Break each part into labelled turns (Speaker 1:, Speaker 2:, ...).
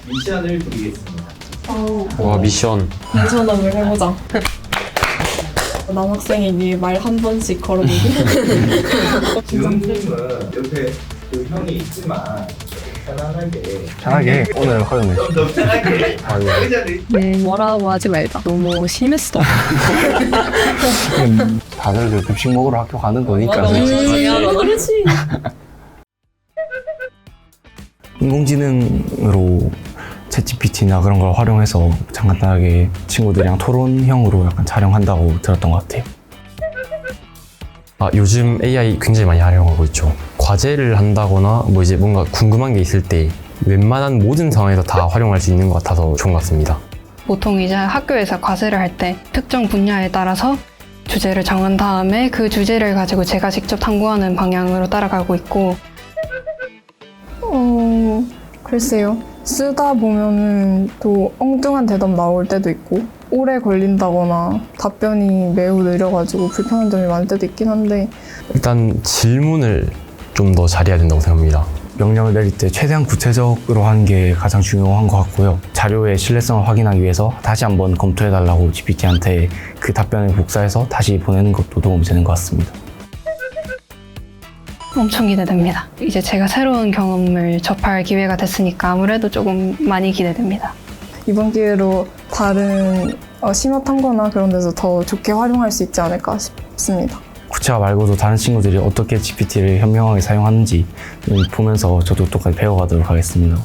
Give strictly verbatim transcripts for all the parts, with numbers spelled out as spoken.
Speaker 1: 미션을 드리겠습니다.
Speaker 2: 와, 미션.
Speaker 3: 괜찮음을 해보자. 남학생이니 말 한 번씩 걸어보기.
Speaker 1: 지금님은 옆에 그 형이 있지만 편안하게
Speaker 4: 편하게 오늘 허용해.
Speaker 1: 좀 더 편하게 의자를
Speaker 3: 네, 뭐라고 하지 말자. 너무 심했어.
Speaker 4: 음, 다들 그 급식 먹으러 학교 가는 거니까.
Speaker 3: 음, 그렇지.
Speaker 4: 인공지능으로 챗지피티나 그런 걸 활용해서 간단하게 친구들이랑 토론형으로 약간 촬영한다고 들었던 것 같아요.
Speaker 2: 아, 요즘 에이아이 굉장히 많이 활용하고 있죠. 과제를 한다거나 뭐 이제 뭔가 궁금한 게 있을 때 웬만한 모든 상황에서 다 활용할 수 있는 것 같아서 좋은 것 같습니다.
Speaker 5: 보통 이제 학교에서 과제를 할 때 특정 분야에 따라서 주제를 정한 다음에 그 주제를 가지고 제가 직접 탐구하는 방향으로 따라가고 있고,
Speaker 3: 어, 글쎄요. 쓰다 보면은 또 엉뚱한 대답 나올 때도 있고 오래 걸린다거나 답변이 매우 느려가지고 불편한 점이 많을 때도 있긴 한데
Speaker 2: 일단 질문을 좀 더 잘해야 된다고 생각합니다.
Speaker 4: 명령을 내릴 때 최대한 구체적으로 하는 게 가장 중요한 것 같고요. 자료의 신뢰성을 확인하기 위해서 다시 한번 검토해달라고 지피티한테 그 답변을 복사해서 다시 보내는 것도 도움이 되는 것 같습니다.
Speaker 5: 엄청 기대됩니다. 이제 제가 새로운 경험을 접할 기회가 됐으니까 아무래도 조금 많이 기대됩니다.
Speaker 3: 이번 기회로 다른 어, 심화탐구나 그런 데서 더 좋게 활용할 수 있지 않을까 싶습니다.
Speaker 4: 구체화 말고도 다른 친구들이 어떻게 지피티를 현명하게 사용하는지 보면서 저도 똑같이 배워가도록 하겠습니다.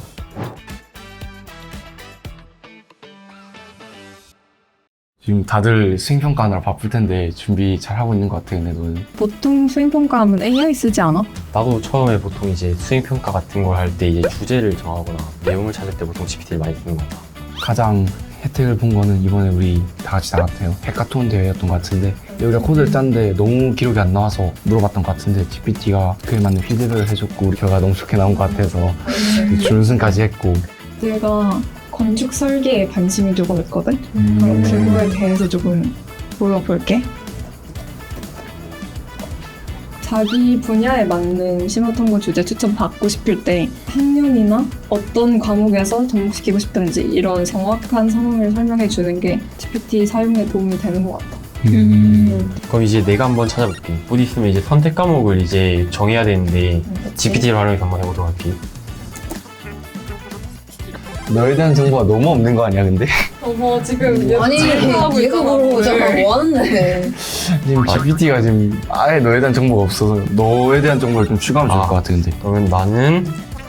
Speaker 4: 지금 다들 수행평가하느라 바쁠 텐데 준비 잘 하고 있는 것 같아요, 근데 너는?
Speaker 3: 보통 수행평가하면 에이아이 쓰지 않아?
Speaker 2: 나도 처음에 보통 이제 수행평가 같은 걸 할 때 이제 주제를 정하거나 내용을 찾을 때 보통 지피티를 많이 쓰는 것 같아.
Speaker 4: 가장 혜택을 본 거는 이번에 우리 다 같이 나갔대요. 해카톤 대회였던 것 같은데 우리가 코드를 짰는데 너무 기록이 안 나와서 물어봤던 것 같은데 지피티가 그에 맞는 피드백을 해줬고 우리 결과가 너무 좋게 나온 것 같아서 준우승까지 했고.
Speaker 3: 내가 건축 설계에 관심이 조금 있거든?
Speaker 4: 음.
Speaker 3: 그럼 그거에 대해서 조금 물어볼게. 자기 분야에 맞는 심화탐구 주제 추천 받고 싶을 때 학년이나 어떤 과목에서 접목시키고 싶든지 이런 정확한 상황을 설명해 주는 게 지피티 사용에 도움이 되는 것 같아.
Speaker 4: 음.
Speaker 2: 그럼 이제 내가 한번 찾아볼게. 곧 있으면 이제 선택 과목을 이제 정해야 되는데 지피티를 활용해서 한번 해보도록 할게.
Speaker 4: 너에 대한 정보가 너무 없는 거 아니야, 근데?
Speaker 3: 어머 지금 얘
Speaker 6: 아니 얘가 모르고 잠깐 뭐 하는데.
Speaker 4: 지금 지피티가 지금 아예 너에 대한 정보가 없어서 너에 대한 정보를 좀 추가하면 좋을
Speaker 2: 아.
Speaker 4: 것 같아, 근데.
Speaker 2: 그러면 나는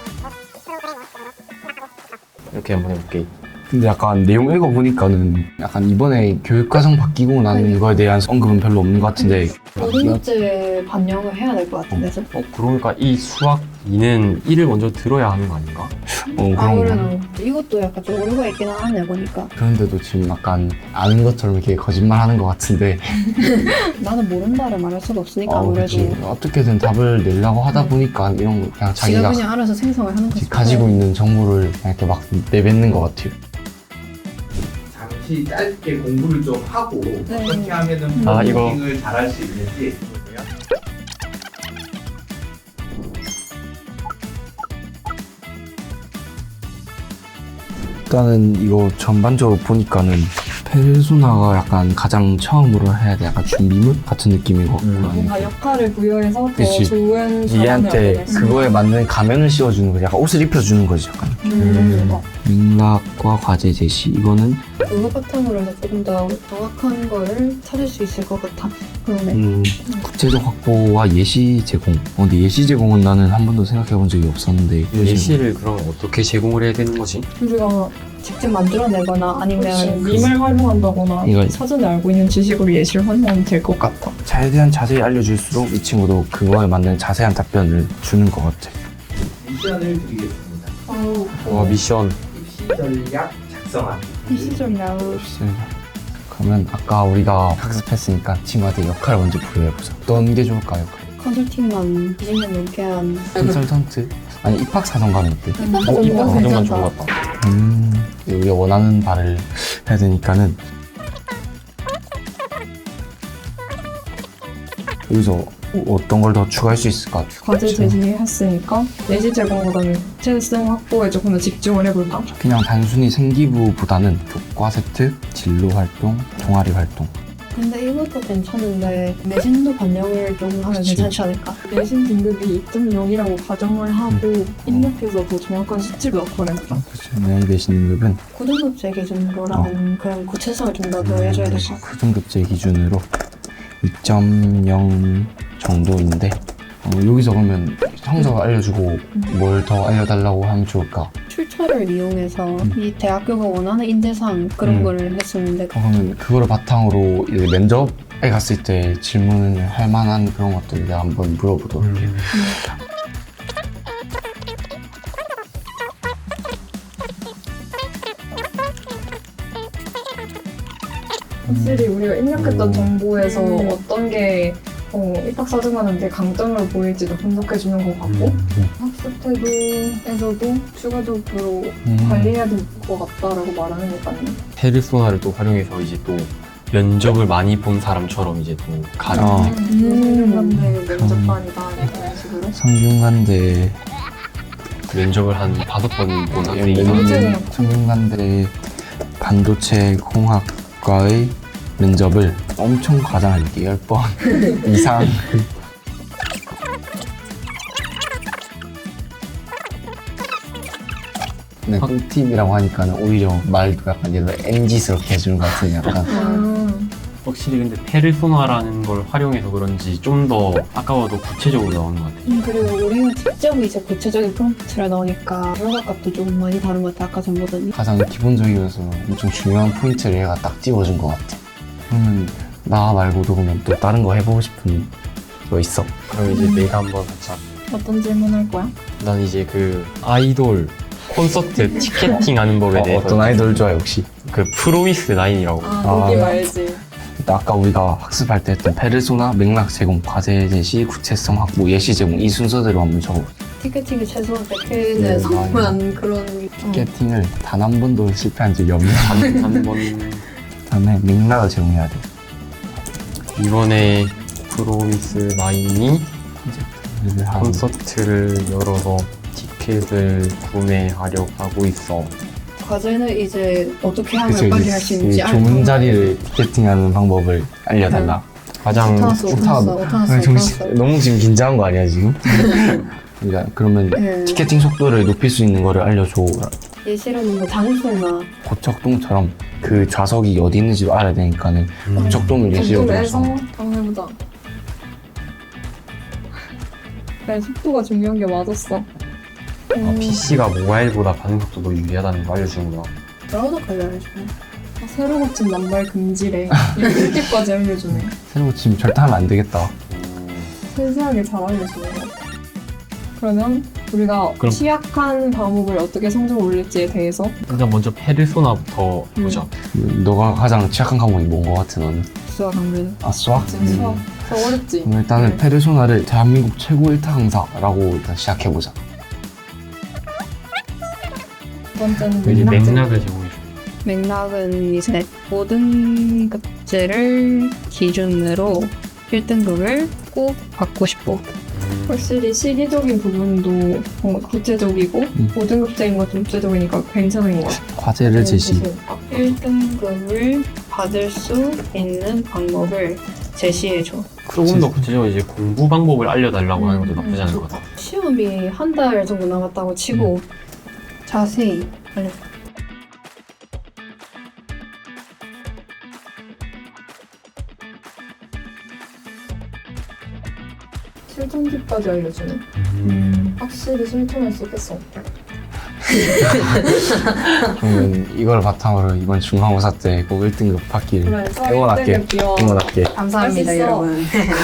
Speaker 2: 이렇게 한번 해볼게.
Speaker 4: 근데 약간 내용 읽어보니까는 약간 이번에 교육과정 바뀌고 난 거에 대한 언급은 별로 없는 것 같은데.
Speaker 6: 고등급제 반영을 해야 될 것 같은데.
Speaker 2: 어, 그러니까 이 수학 이는 일을 먼저 들어야 하는 거 아닌가?
Speaker 4: 어, 그런 거.
Speaker 6: 아무래도 이것도 약간 좀 오류가 있긴 하네 보니까.
Speaker 4: 그런데도 지금 약간 아는 것처럼 이렇게 거짓말 하는 것 같은데.
Speaker 6: 나는 모른다를 말할 수가 없으니까
Speaker 4: 어,
Speaker 6: 아무래도.
Speaker 4: 그치. 어떻게든 답을 내려고 하다 보니까 이런 거 그냥
Speaker 6: 지가
Speaker 4: 자기가
Speaker 6: 그냥 알아서 생성을 하는 거지.
Speaker 4: 가지고 있는 정보를 그냥 이렇게 막 내뱉는 것 같아요.
Speaker 1: 잠시 짧게 공부를 좀 하고 어떻게 하면은
Speaker 2: 아, 이거.
Speaker 1: 프로그래밍을 잘할 수 있는지
Speaker 4: 일단은 이거 전반적으로 보니까는 페르소나가 약간 가장 처음으로 해야 돼. 약간 준비물 같은 느낌인 것 같고.
Speaker 2: 음.
Speaker 3: 뭔가 역할을 부여해서 더
Speaker 4: 그치.
Speaker 3: 좋은 사람을
Speaker 4: 얘한테
Speaker 3: 얻어냈어.
Speaker 4: 그거에 맞는 가면을 씌워주는 거지. 약간 옷을 입혀주는 거지. 약간.
Speaker 3: 음. 어.
Speaker 4: 맥락과 과제 제시. 이거는
Speaker 6: 그거 바탕으로 해서 조금 더 정확한 거를 찾을 수 있을 것 같아.
Speaker 3: 그러네.
Speaker 4: 음, 구체적 확보와 예시 제공. 어, 근데 예시 제공은 나는 한 번도 생각해 본 적이 없었는데.
Speaker 2: 예시를 그럼 어떻게 제공을 해야 되는 거지?
Speaker 3: 우리가 직접 만들어내거나 아니면
Speaker 6: 그치.
Speaker 3: 밈을 활용한다거나
Speaker 4: 이거-
Speaker 3: 사전에 알고 있는 지식으로 예시를 활용하면 될 것 같아.
Speaker 4: 자에 대한 자세히 알려줄수록 이 친구도 그거에 맞는 자세한 답변을 주는 것 같아.
Speaker 1: 미션을 드리겠습니다.
Speaker 2: 와, 미션.
Speaker 1: 입시 전략 작성하기.
Speaker 3: 시절이야.
Speaker 4: 그러면 아까 우리가 학습했으니까 친구한테 역할을 먼저 부여해보자. 어떤 게 좋을까, 역할?
Speaker 6: 컨설팅만 이십 년 넘게 한.
Speaker 4: 컨설턴트? 아니, 입학사정관은 어때?
Speaker 2: 어, 이번 과정만 좋은 것 같다.
Speaker 4: 음, 우리가 원하는 바를 해야 되니까는 여기서 어떤 걸 더 추가할 수 있을까?
Speaker 3: 과제 제시했으니까 내시 제공보다는 구체성 확보에 조금 더 집중을 해볼까?
Speaker 4: 그냥 단순히 생기부보다는 교과 세트, 진로 활동, 동아리 활동.
Speaker 6: 근데 이것도 괜찮은데 내신도 반영을 좀 하면
Speaker 4: 그치.
Speaker 6: 괜찮지 않을까?
Speaker 3: 내신 등급이 이 점 영이라고 가정을 하고 입력해서 더 정확한 수치를 얻어내자.
Speaker 4: 그렇죠. 내 내신 등급은
Speaker 6: 고등급제 기준으로라는 그런 구체성을 좀 더 더해줘야 될 것 같아.
Speaker 4: 고등급제 기준으로 이 점 영 정도인데 어, 여기서 그러면 성적을 알려주고 뭘 더 알려달라고 하면 좋을까?
Speaker 6: 출처를 이용해서 이 대학교가 원하는 인재상 그런
Speaker 4: 음.
Speaker 6: 거를 했었는데
Speaker 4: 어, 그러면 그거를 바탕으로 이제 면접에 갔을 때 질문을 할 만한 그런 것들을 내가 한번 물어보도록 할게요.
Speaker 3: 확실히 우리가 입력했던
Speaker 4: 음.
Speaker 3: 정보에서
Speaker 6: 음.
Speaker 3: 어떤 게 어, 입학사정하는데 강점으로 보일지도 분석해주는 것 같고
Speaker 4: 음.
Speaker 3: 학습 태도에서도 추가적으로
Speaker 4: 음.
Speaker 3: 관리해야 될 것 같다라고 말하는 것 같네.
Speaker 2: 페르소나를 또 활용해서 이제 또 면접을 많이 본 사람처럼 이제 또 가는
Speaker 4: 어.
Speaker 3: 성균관대 면접반이다 이런 식으로.
Speaker 4: 성균관대
Speaker 2: 면접을 한 다섯 번 본 학생이
Speaker 3: 언제
Speaker 4: 음, 성균관대 반도체 공학과의 면접을 엄청 과장할게 열 번 이상. 네, 꿀팁이라고 하니까는 오히려 말도 약간 얘를 엠지스럽게 해주는 것 같은 약간.
Speaker 3: 음.
Speaker 2: 확실히 근데 페르소나라는 걸 활용해서 그런지 좀 더 아까워도 구체적으로 나오는 것 같아요.
Speaker 6: 음, 그리고 우리가 직접 이제 구체적인 프롬프트를 넣으니까 결과값도 좀 많이 다른 것 같아. 아까 전보다는.
Speaker 4: 가장 기본적이어서 엄청 중요한 포인트를 얘가 딱 찝어준 것 같아. 그러면 나 말고도 그러면 또 다른 거 해보고 싶은 거 있어?
Speaker 2: 그럼 이제 내가 한번 살짝
Speaker 3: 어떤 질문할 거야?
Speaker 2: 난 이제 그 아이돌 콘서트 티켓팅 하는 법에
Speaker 4: 어,
Speaker 2: 대해서
Speaker 4: 어떤 아이돌 좋아해 혹시?
Speaker 2: 그 프로미스 나인이라고
Speaker 3: 아,
Speaker 4: 아.
Speaker 3: 느낌 알지.
Speaker 4: 아까 우리가 학습할 때 했던 페르소나, 맥락 제공, 과제 제시, 구체성 확보, 예시 제공 이 순서대로 한번 적어.
Speaker 6: 티켓팅이 최소한 백 회는
Speaker 4: 네,
Speaker 6: 성공한 그런
Speaker 4: 티켓팅을 단 한 번도 실패한 적이 없는
Speaker 2: 한번
Speaker 4: 다음에 맥락을 제공해야 돼.
Speaker 2: 이번에 프로미스 나인이
Speaker 4: 그래서 한
Speaker 2: 콘서트를 열어서 티켓을 구매하려고 하고 있어.
Speaker 6: 과제는 이제 어떻게 하면
Speaker 4: 그쵸,
Speaker 6: 빨리
Speaker 4: 이제
Speaker 6: 할 수 있는지
Speaker 4: 이 좋은 자리를 티켓팅하는 방법을 알려달라.
Speaker 2: 가장
Speaker 6: 오타났어 오타났어 오타났어
Speaker 4: 아, 정신,
Speaker 6: 오타났어.
Speaker 4: 너무 지금 긴장한 거 아니야 지금? 그러니까 그러면
Speaker 6: 네.
Speaker 4: 티켓팅 속도를 높일 수 있는 거를 알려줘.
Speaker 6: 예시로는 뭐 장소나
Speaker 4: 고척동처럼 그 좌석이 어디 있는지도 알아야 되니까는 고척동을 예시로
Speaker 3: 정도에서
Speaker 4: 들어서
Speaker 3: 한번 해보자. 네, 속도가 중요한 게 맞았어.
Speaker 2: 아, 피씨가 모바일보다 반응 속도도 유리하다는 걸 알려주는구나.
Speaker 6: 브라우저까지 알려주네.
Speaker 3: 아, 새로 고친 남발 금지래. 이렇게까지 알려주네.
Speaker 4: 새로 지금 절대 하면 안 되겠다.
Speaker 3: 세세하게 잘 알려주네. 그러면 우리가
Speaker 2: 그럼-
Speaker 3: 취약한 과목을 어떻게 성적을 올릴지에 대해서
Speaker 2: 일단 먼저 페르소나부터
Speaker 3: 음.
Speaker 2: 보자.
Speaker 4: 너가 가장 취약한 과목이 뭔 거 같아 너는?
Speaker 6: 수학 강좌는
Speaker 4: 아 수학?
Speaker 3: 지금 수학 더 어렵지?
Speaker 4: 그럼 일단은
Speaker 3: 네.
Speaker 4: 페르소나를 대한민국 최고 일 타 강사라고 일단 시작해보자.
Speaker 3: 두 번째는
Speaker 2: 이제
Speaker 3: 맥락 제공.
Speaker 2: 맥락을 제공해줘.
Speaker 6: 맥락은 이제 모든 급제를 기준으로 일 등급을 꼭 받고 싶고
Speaker 3: 확실히 시기적인 부분도 뭔가 구체적이고
Speaker 4: 음.
Speaker 3: 고등급제인 것도 구체적이니까 괜찮은 것 같아.
Speaker 4: 과제를 제시.
Speaker 6: 일 등급을 받을 수 있는 방법을 제시해줘.
Speaker 2: 조금 더 구체적으로 이제 공부 방법을 알려달라고 하는 것도 나쁘지 않은 것 같아.
Speaker 6: 시험이 한 달 정도 남았다고 치고 자세히 알려줘.
Speaker 3: 실전집까지 알려주네.
Speaker 2: 음.
Speaker 3: 확실히 실천할 수 있겠어.
Speaker 4: 그러면 이걸 바탕으로 이번 중간고사 때 꼭 일 등급 받기를
Speaker 3: 그래서
Speaker 4: 응원할게.
Speaker 3: 일 등급 비워.
Speaker 4: 응원할게.
Speaker 6: 감사합니다,
Speaker 3: 할 수 있어.
Speaker 6: 여러분.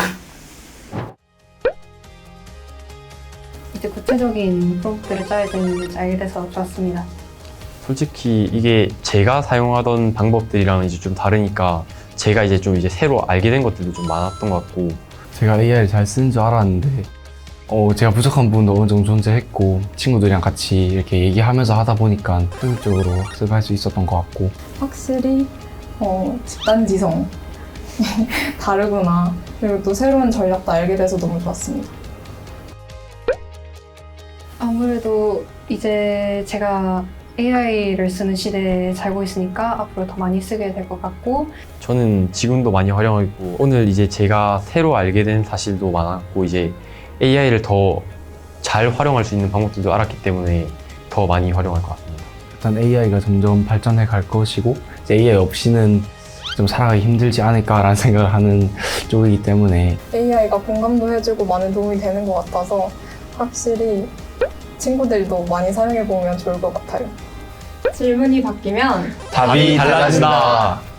Speaker 6: 이제 구체적인 프로그램을 짜야 되는지 알게 돼서 좋았습니다.
Speaker 2: 솔직히 이게 제가 사용하던 방법들이랑 이제 좀 다르니까 제가 이제 좀 이제 새로 알게 된 것들도 좀 많았던 것 같고
Speaker 4: 제가 에이아이를 잘 쓰는 줄 알았는데 어, 제가 부족한 부분도 어느 정도 존재했고 친구들이랑 같이 이렇게 얘기하면서 하다 보니까 효율적으로 학습할 수 있었던 것 같고
Speaker 3: 확실히 어, 집단지성 다르구나. 그리고 또 새로운 전략도 알게 돼서 너무 좋았습니다.
Speaker 5: 아무래도 이제 제가 에이아이를 쓰는 시대에 살고 있으니까 앞으로 더 많이 쓰게 될 것 같고
Speaker 2: 저는 지금도 많이 활용하고 있고 오늘 이제 제가 새로 알게 된 사실도 많았고 이제 에이아이를 더 잘 활용할 수 있는 방법들도 알았기 때문에 더 많이 활용할 것 같습니다.
Speaker 4: 일단 에이아이가 점점 발전해 갈 것이고 이제 에이아이 없이는 좀 살아가기 힘들지 않을까라는 생각을 하는 쪽이기 때문에
Speaker 3: 에이아이가 공감도 해주고 많은 도움이 되는 것 같아서 확실히 친구들도 많이 사용해보면 좋을 것 같아요. 질문이 바뀌면
Speaker 2: 답이 달라진다.